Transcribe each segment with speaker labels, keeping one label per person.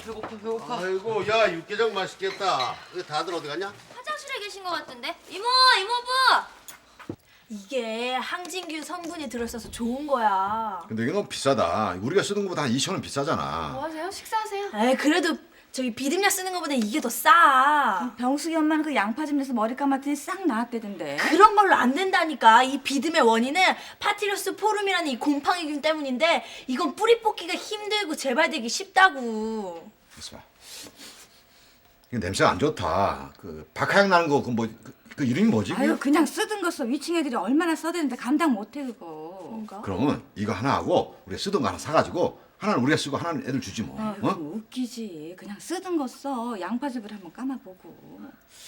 Speaker 1: 배고파.
Speaker 2: 아이고, 야, 육개장 맛있겠다. 다들 어디 갔냐?
Speaker 3: 화장실에 계신 것 같은데? 이모부!
Speaker 4: 이게 항진균 성분이 들어있어서 좋은 거야.
Speaker 5: 근데 이게 너무 비싸다. 우리가 쓰는 것보다 한 2,000원 비싸잖아.
Speaker 3: 뭐 하세요? 식사하세요?
Speaker 4: 에이, 그래도 저기 비듬약 쓰는 거보다 이게 더 싸.
Speaker 1: 병숙이 엄마는 그 양파즙 내서 머리 감았더니 싹 나았대던데.
Speaker 4: 그런 걸로 안 된다니까. 이 비듬의 원인은 파티러스 포름이라는 이 곰팡이균 때문인데 이건 뿌리 뽑기가 힘들고 재발되기 쉽다고.
Speaker 5: 있어봐. 이거 냄새가 안 좋다. 그 박하향 나는 거 그 이름이 뭐지?
Speaker 1: 아유 그냥 쓰던 거 써. 위층 애들이 얼마나 써대는데 감당 못해 그거.
Speaker 4: 뭔가?
Speaker 5: 그러면 이거 하나 하고 우리가 쓰던 거 하나 사가지고 하나는 우리가 쓰고 하나는 애들 주지 뭐.
Speaker 1: 그거 웃기지. 그냥 쓰던 거 써. 양파즙을 한번 감아보고.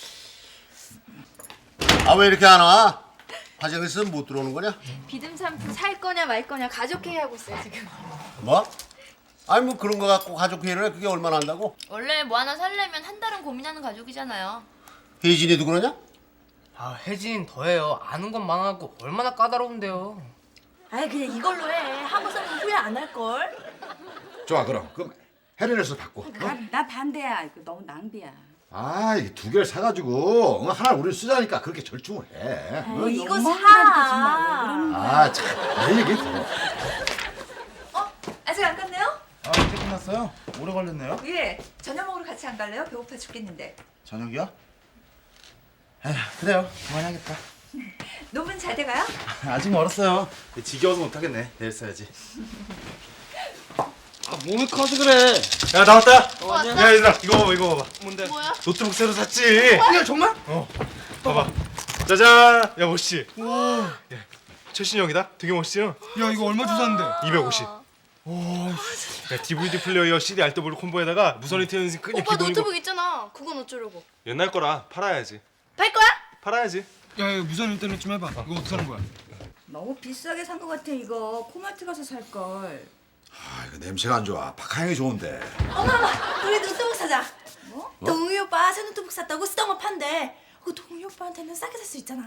Speaker 2: 아, 왜 이렇게 안 와? 화장실에서 못 들어오는 거냐?
Speaker 3: 비듬 샴푸 살 거냐 말 거냐 가족회의 하고 있어요 지금.
Speaker 2: 뭐? 아니, 뭐 그런 거 갖고 가족회의를 해? 그게 얼마나 한다고?
Speaker 3: 원래 뭐 하나 살려면 한 달은 고민하는 가족이잖아요.
Speaker 2: 혜진이도 그러냐?
Speaker 6: 아 혜진 더해요. 아는 건 많아고 얼마나 까다로운데요.
Speaker 4: 아이, 그냥 이걸로 해. 한번 쓰면 후회 안 할걸?
Speaker 5: 좋아 그럼 해련에서 받고.
Speaker 1: 나 반대야. 이거 너무 낭비야.
Speaker 5: 아 이게 두 개를 사가지고 하나를 우리 쓰자니까 그렇게 절충을 해.
Speaker 4: 에이, 이거
Speaker 1: 엄마
Speaker 4: 사.
Speaker 1: 그러는 거야.
Speaker 5: 아 참 내 얘기 들어.
Speaker 7: 아직 안 갔네요?
Speaker 8: 아, 이제 끝났어요? 오래 걸렸네요?
Speaker 7: 예. 저녁 먹으러 같이 안 갈래요? 배고파 죽겠는데.
Speaker 8: 저녁이요? 에휴, 그래요. 그만해야겠다.
Speaker 7: 논문 잘 돼가요?
Speaker 8: 아직 멀었어요. 지겨워서 못하겠네. 내일 써야지. 아, 몸이 커서 그래.
Speaker 6: 야 나왔다.
Speaker 8: 야, 얘들아, 이거 봐봐, 이거 봐봐.
Speaker 6: 뭔데?
Speaker 3: 뭐야?
Speaker 8: 노트북 새로 샀지?
Speaker 6: 야 정말?
Speaker 8: 봐봐. 짜잔! 야, 멋있지?
Speaker 6: 야, 최신형이다. 되게 멋있죠?
Speaker 8: 야, 이거 얼마 주셨는데?
Speaker 6: 250. 야 DVD 플레이어 CD 알더블 콤보에다가 무선 인터넷이 그냥
Speaker 3: 오빠
Speaker 6: 기본이고.
Speaker 3: 노트북 있잖아. 그건 어쩌려고?
Speaker 6: 옛날 거라 팔아야지.
Speaker 3: 팔 거야?
Speaker 6: 팔아야지.
Speaker 8: 야, 이거 무선 인터넷 좀 해봐. 이거 어떻게 하는 거야?
Speaker 1: 너무 비싸게 산 거 같아 이거. 코마트 가서 살 걸.
Speaker 5: 아 이거 냄새가 안 좋아. 박하향이 좋은데.
Speaker 4: 어머머, 우리 노트북 사자. 뭐? 동희 오빠 새 노트북 샀다고 쓰던 거 판대. 그 동희 오빠한테는 싸게 살 수 있잖아.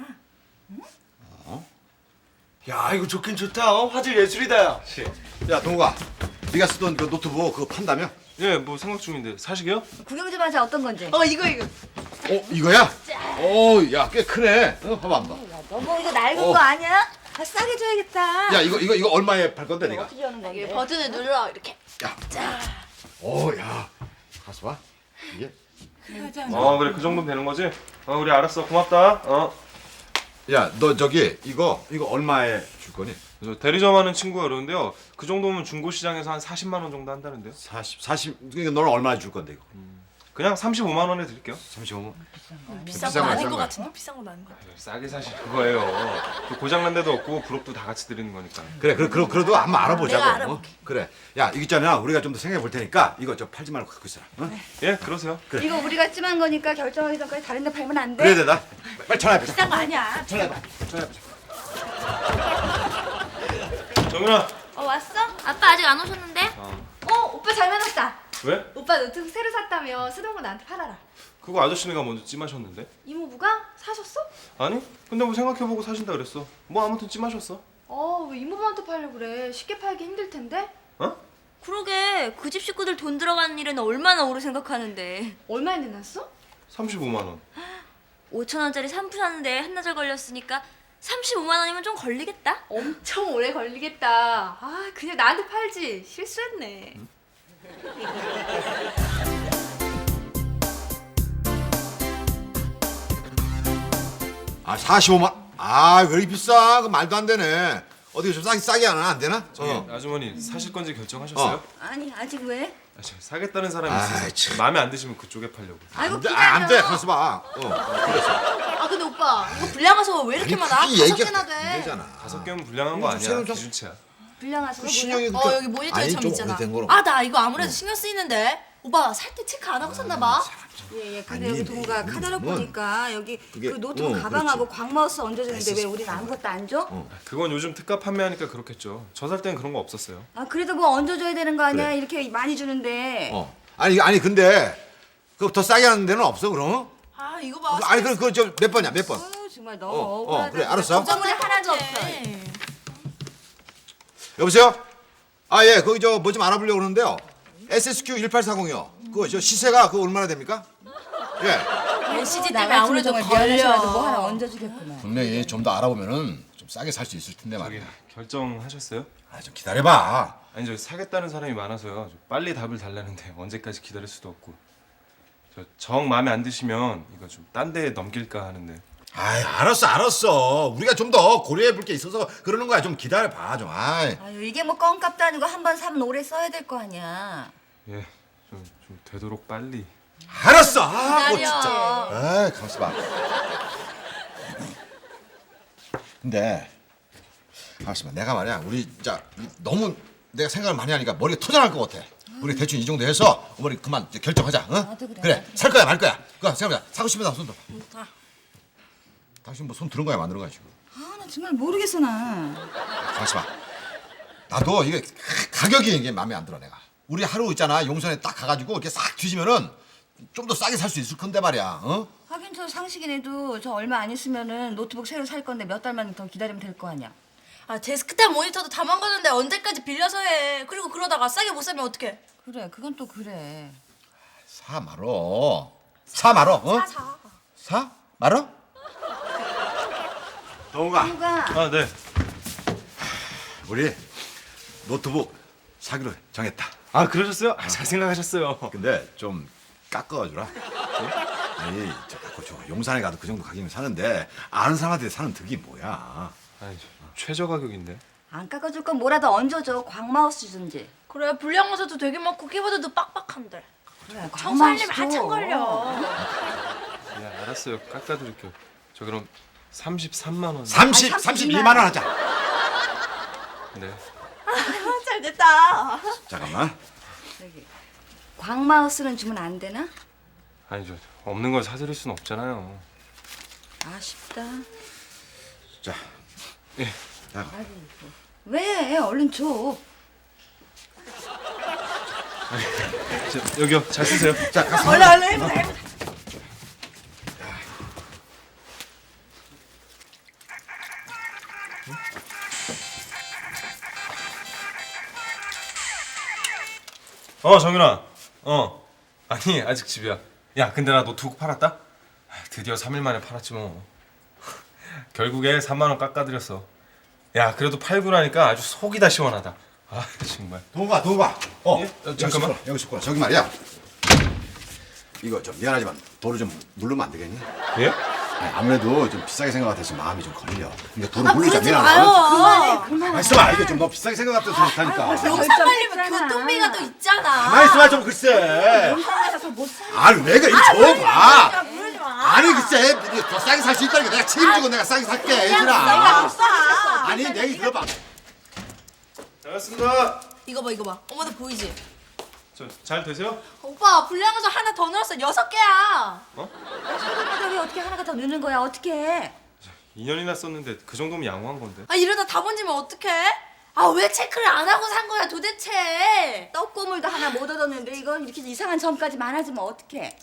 Speaker 8: 야, 이거 좋긴 좋다. 화질 예술이다, 야.
Speaker 5: 야 동욱아, 네가 쓰던 그 노트북 그거 판다며?
Speaker 6: 예, 뭐 생각 중인데 사시게요?
Speaker 1: 구경 좀 하자. 어떤 건지.
Speaker 3: 이거.
Speaker 5: 이거야? 야 꽤 크네. 봐봐 한번.
Speaker 1: 너무 이거 낡은 거 아니야? 아, 싸게 줘야겠다.
Speaker 5: 야 이거 얼마에 팔 건데 네가?
Speaker 1: 어떻게 하는 건데?
Speaker 3: 이게 버튼을 눌러 이렇게.
Speaker 5: 야, 가서 봐. 이게.
Speaker 6: 그래 그 정도면 되는 거지? 우리 알았어 고맙다.
Speaker 5: 야, 너 저기 이거 얼마에 줄 거니?
Speaker 6: 저 대리점 하는 친구가 그러는데요. 그 정도면 중고 시장에서 한 40만 원 정도 한다는데요.
Speaker 5: 40. 그러니까 너는 얼마에 줄 건데 이거?
Speaker 6: 그냥 35만 원에 드릴게요.
Speaker 5: 35만.
Speaker 4: 비싼
Speaker 5: 비싼
Speaker 4: 거
Speaker 5: 거야,
Speaker 4: 아닌
Speaker 5: 비싼
Speaker 4: 것
Speaker 5: 거야.
Speaker 4: 같은데 비싼 건 아닌 것 같아.
Speaker 6: 싸게 사실 그거예요. 그 고장난 데도 없고 부록도 다 같이 드리는 거니까.
Speaker 5: 그래, 그래도 한번 알아보자고.
Speaker 4: 내가 알아볼게.
Speaker 5: 그래. 야, 이거 있잖아. 우리가 좀 더 생각해 볼 테니까 이거 저 팔지 말고 갖고 있어라. 응?
Speaker 6: 예, 그러세요.
Speaker 1: 이거 우리가 찜한 거니까 결정하기 전까지 다른 데 팔면 안 돼?
Speaker 5: 그래, 나 빨리 전화해.
Speaker 4: 비싼 거 아니야.
Speaker 6: 정윤아.
Speaker 3: 왔어? 아빠 아직 안 오셨는데?
Speaker 7: 오빠 잘 만났다.
Speaker 6: 왜?
Speaker 7: 오빠 노트북 새로 샀다며 쓰던 거 나한테 팔아라.
Speaker 6: 그거 아저씨네가 먼저 찜하셨는데?
Speaker 7: 이모부가 사셨어?
Speaker 6: 아니? 근데 뭐 생각해보고 사신다 그랬어. 뭐 아무튼 찜하셨어.
Speaker 7: 왜 이모부한테 팔려고 그래? 쉽게 팔기 힘들 텐데.
Speaker 6: 어?
Speaker 3: 그러게 그 집 식구들 돈 들어가는 일은 얼마나 오래 생각하는데.
Speaker 7: 얼마에 내놨어?
Speaker 6: 35만 원.
Speaker 3: 5천 원짜리 샴푸 사는데 한나절 걸렸으니까 35만 원이면 좀 걸리겠다.
Speaker 7: 엄청 오래 걸리겠다. 그냥 나한테 팔지. 실수했네.
Speaker 5: 아, 45만. 아, 왜 이렇게 비싸? 그 말도 안 되네. 어떻게 좀 싸게 하나 안 되나?
Speaker 6: 저기 아주머니 사실 건지 결정하셨어요?
Speaker 1: 아니 아직 왜?
Speaker 6: 저 사겠다는 사람이
Speaker 5: 아이,
Speaker 6: 있어서
Speaker 5: 참.
Speaker 6: 마음에 안 드시면 그쪽에 팔려고.
Speaker 1: 아이고
Speaker 5: 안 돼. 가서 봐.
Speaker 4: 아, 근데 오빠 이거 불량화서 왜 이렇게 많아?
Speaker 5: 그게
Speaker 4: 5
Speaker 5: 얘기가
Speaker 4: 개나
Speaker 5: 안
Speaker 4: 돼.
Speaker 5: 되잖아.
Speaker 6: 5개면 불량한 거 아니야.
Speaker 5: 새로운 좀-
Speaker 6: 기준치야.
Speaker 1: 불량하서
Speaker 5: 신형이
Speaker 4: 여기 모니터처럼 있잖아.
Speaker 5: 거로.
Speaker 4: 아, 나 이거 아무래도 신경 쓰이는데. 오빠 살 때 체크 안 하고 샀나 봐.
Speaker 1: 예예. 근데
Speaker 5: 아니,
Speaker 1: 여기 동우가 카다로
Speaker 5: 뭐,
Speaker 1: 보니까 여기
Speaker 5: 그게-
Speaker 1: 그 노트북 가방하고 광마우스 얹어주는데 왜
Speaker 5: 있었어.
Speaker 1: 우리는 아무것도 안 줘?
Speaker 6: 그건 요즘 특가 판매하니까 그렇겠죠. 저 살 땐 그런 거 없었어요.
Speaker 1: 아 그래도 뭐 얹어줘야 되는 거 아니야?
Speaker 5: 그래.
Speaker 1: 이렇게 많이 주는데.
Speaker 5: 아니 근데 그거 더 싸게 하는 데는 없어 그럼?
Speaker 4: 아, 이거 봐.
Speaker 5: 아니 그거 저 몇 번이야 몇 번?
Speaker 1: 정말 너무 억울하다.
Speaker 5: 그래 알았어.
Speaker 1: 걱정물이 하나도 없어.
Speaker 5: 여보세요? 아 예 거기 저 뭐 좀 알아보려고 그러는데요. SSQ 1840이요. 그거 저 시세가 그거 얼마나 됩니까? 예.
Speaker 4: LCG
Speaker 1: 나
Speaker 4: 때문에
Speaker 1: 같으면
Speaker 4: 아무래도
Speaker 1: 정말 미안해서라도 뭐 하나
Speaker 4: 걸려.
Speaker 1: 얹어주겠구만.
Speaker 5: 분명히 좀 더 알아보면은 좀 싸게 살 수 있을 텐데
Speaker 6: 저기
Speaker 5: 말이야.
Speaker 6: 결정하셨어요?
Speaker 5: 아, 좀 기다려봐.
Speaker 6: 아니 저 사겠다는 사람이 많아서요. 저 빨리 답을 달라는데 언제까지 기다릴 수도 없고. 저 정 마음에 안 드시면 이거 좀 딴 데 넘길까 하는데.
Speaker 5: 아이, 알았어. 우리가 좀 더 고려해 볼 게 있어서 그러는 거야. 좀 기다려봐 좀. 아이.
Speaker 1: 아유 이게 뭐 껌값도 아니고 한 번 사면 오래 써야 될 거 아니야.
Speaker 6: 예, 좀 되도록 빨리.
Speaker 5: 알았어. 아, 뭐
Speaker 4: 기다려.
Speaker 5: 진짜. 아이, 가만있어 봐. 근데 가만있어 봐. 내가 말이야. 우리 진짜 너무 내가 생각을 많이 하니까 머리가 토장할 것 같아. 우리 대충 이 정도 해서 어머니 그만 이제 결정하자. 응?
Speaker 1: 나도 그래,
Speaker 5: 그래.
Speaker 1: 나도.
Speaker 5: 살 거야 말 거야. 그거 생각해보자. 사고 싶으면 손 들어. 당신 뭐 손 들은 거야 만든 거야 지금.
Speaker 1: 아 나 정말 모르겠어 나.
Speaker 5: 가만있어 봐. 나도 이게 가격이 이게 마음에 안 들어 내가. 우리 하루 있잖아 용산에 딱 가가지고 이렇게 싹 뒤지면은 좀 더 싸게 살 수 있을 건데 말이야. 어?
Speaker 1: 하긴 저 상식이네도 저 얼마 안 있으면은 노트북 새로 살 건데 몇 달만 더 기다리면 될 거 아니야.
Speaker 4: 아 데스크탑 모니터도 다 망가졌는데 언제까지 빌려서 해. 그리고 그러다가 싸게 못 사면 어떡해.
Speaker 1: 그래 그건 또 그래.
Speaker 5: 사 말어. 사 말어. 어? 사 말어? 동우가
Speaker 1: 누가
Speaker 6: 아 네.
Speaker 5: 우리 노트북 사기로 정했다.
Speaker 6: 아 그러셨어요? 아, 잘 생각하셨어요.
Speaker 5: 근데 좀 깎아주라. 아니 저 용산에 가도 그 정도 가격이면 사는데 아는 사람한테 사는 득이 뭐야.
Speaker 6: 아니 최저 가격인데.
Speaker 1: 안 깎아줄 건 뭐라도 얹어줘. 광마우스 주든지.
Speaker 4: 그래 불량화사도 되게 많고 키보드도 빡빡한데.
Speaker 1: 그래
Speaker 4: 청소하려면
Speaker 1: 광마우스 줘.
Speaker 4: 한참 걸려.
Speaker 6: 네 알았어요. 깎아드릴게요. 저 그럼 33만 원.
Speaker 5: 32만 원 하자.
Speaker 6: 네.
Speaker 4: 잘 됐다.
Speaker 5: 잠깐만.
Speaker 1: 저기 광마우스는 주면 안 되나?
Speaker 6: 아니 저 없는 걸 사드릴 순 없잖아요.
Speaker 1: 아쉽다.
Speaker 5: 자.
Speaker 6: 예.
Speaker 1: 왜? 얼른 줘.
Speaker 6: 여기요. 잘 쓰세요.
Speaker 5: 자, 가서.
Speaker 4: 얼른 해보자.
Speaker 6: 정윤아. 아니 아직 집이야. 야 근데 나 노트북 팔았다? 아, 드디어 3일 만에 팔았지 뭐. 결국에 3만 원 깎아드렸어. 야 그래도 팔고 나니까 아주 속이 다 시원하다. 아 정말.
Speaker 5: 동우가.
Speaker 6: 예? 잠깐만.
Speaker 5: 여기 있을 거야. 저기 말이야. 이거 좀 미안하지만 도로 좀 물르면 안 되겠니?
Speaker 6: 예?
Speaker 5: 아니, 아무래도 좀 비싸게 생각 같아서 마음이 좀 걸려. 그러니까 도로 물리자.
Speaker 4: 그러지
Speaker 5: 미안하다.
Speaker 4: 마요.
Speaker 1: 그만해.
Speaker 5: 있어봐. 이게 좀 너 비싸게 생각 같아서 그렇다니까.
Speaker 4: 용산 가려면 교통비가 또 있잖아.
Speaker 5: 가만히 있어봐 좀 글쎄.
Speaker 1: 용산에서 못 사.
Speaker 5: 아니 내가 이거 줘봐.
Speaker 4: 그러지 마.
Speaker 5: 아니 글쎄 이거 더 싸게 살 수 있다니까. 내가 책임지고 내가 싸게 살게
Speaker 4: 내가
Speaker 5: 얘들아.
Speaker 4: 없어.
Speaker 5: 아니 내 얘기 들어봐.
Speaker 6: 잘했습니다.
Speaker 4: 이거 봐. 엄마도 보이지?
Speaker 6: 저 잘 되세요?
Speaker 4: 오빠 불량화사 하나 더 넣었어. 6개야.
Speaker 1: 가격이 어떻게 하나가 더 느는 거야? 어떻게 해?
Speaker 6: 2년이나 썼는데 그 정도면 양호한 건데.
Speaker 4: 아 이러다 다 번지면 어떡해? 아 왜 체크를 안 하고 산 거야 도대체?
Speaker 1: 떡고물도 하나 못 얻었는데 이건 이렇게 이상한 점까지 많아지면 어떡해?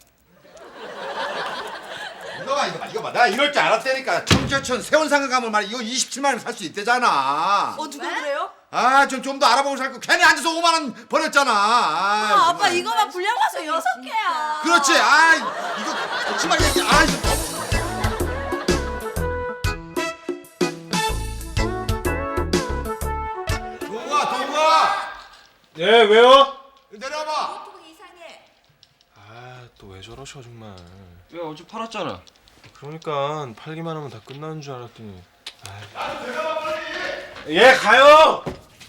Speaker 5: 이거 봐. 나 이럴 줄 알았다니까. 청계천 세원상가 가면 말이야. 이거 27만 원 살 수 있대잖아.
Speaker 4: 누가 그래요?
Speaker 5: 아, 좀 더 알아보고 살 거. 괜히 앉아서 5만 원 버렸잖아.
Speaker 4: 아 아빠
Speaker 5: 정말.
Speaker 4: 이거만 불량화사 6개야.
Speaker 5: 그렇지. 아, 이거 거짓말 얘기. 아, 이거 동우아.
Speaker 6: 예 왜요?
Speaker 5: 내려봐.
Speaker 6: 아 또 왜 저러셔 정말.
Speaker 8: 야 어제 팔았잖아.
Speaker 6: 그러니까 팔기만 하면 다 끝나는 줄 알았더니. 예 가요.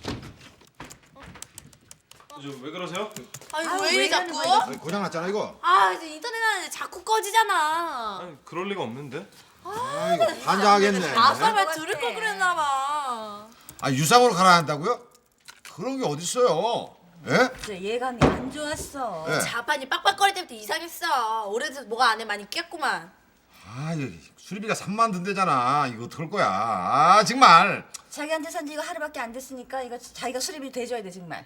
Speaker 6: 왜 그러세요?
Speaker 4: 아니 왜 이래 자꾸?
Speaker 5: 고장 났잖아 이거.
Speaker 4: 아 이제 인터넷 하는데 자꾸 꺼지잖아.
Speaker 6: 아니 그럴 리가 없는데.
Speaker 5: 아, 이거 환장하겠네.
Speaker 4: 아빠가 들을 걸 그랬나 봐.
Speaker 5: 아, 유상으로 가라 한다고요? 그런 게 어딨어요? 예?
Speaker 1: 진짜 예감이 안 좋았어.
Speaker 5: 예.
Speaker 4: 자판이 빡빡거릴 때부터 이상했어. 오래돼서 뭐가 안에 많이 꼈구만.
Speaker 5: 아, 이거 수리비가 3만 든대잖아. 이거 어떡할 거야? 아, 정말.
Speaker 1: 자기한테 산지 이거 하루밖에 안 됐으니까 이거 자기가 수리비 대줘야 돼 정말.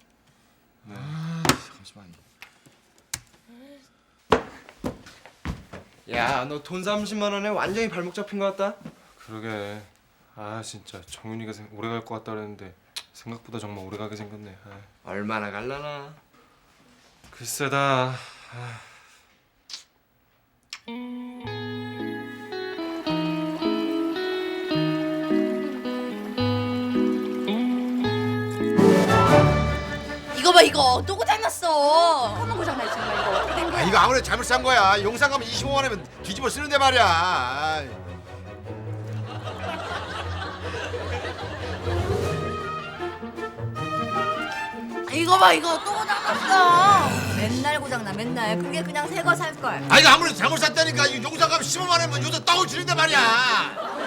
Speaker 5: 잠시만.
Speaker 8: 야 너 돈 30만 원에 완전히 발목 잡힌 것 같다.
Speaker 6: 그러게. 아 진짜 정윤이가 오래 갈 것 같다 그랬는데 생각보다 정말 오래 가게 생겼네. 아.
Speaker 8: 얼마나 갈라나.
Speaker 6: 글쎄다.
Speaker 4: 이거 봐 이거 또 고장났어.
Speaker 1: 한번 고장나 정말 이거 어떻게 된
Speaker 5: 아,
Speaker 1: 거야?
Speaker 5: 이거 아무래도 잘못 산 거야. 용산 가면 25만 원이면 뒤집어 쓰는데 말이야. 아이.
Speaker 4: 이거 봐 이거 또 고장났어.
Speaker 1: 맨날 고장나 맨날. 그게 그냥 새 거 살 걸.
Speaker 5: 아 이거 아무래도 잘못 샀다니까. 이거 용산 가면 15만 원이면 요새 떡을 주는데 말이야.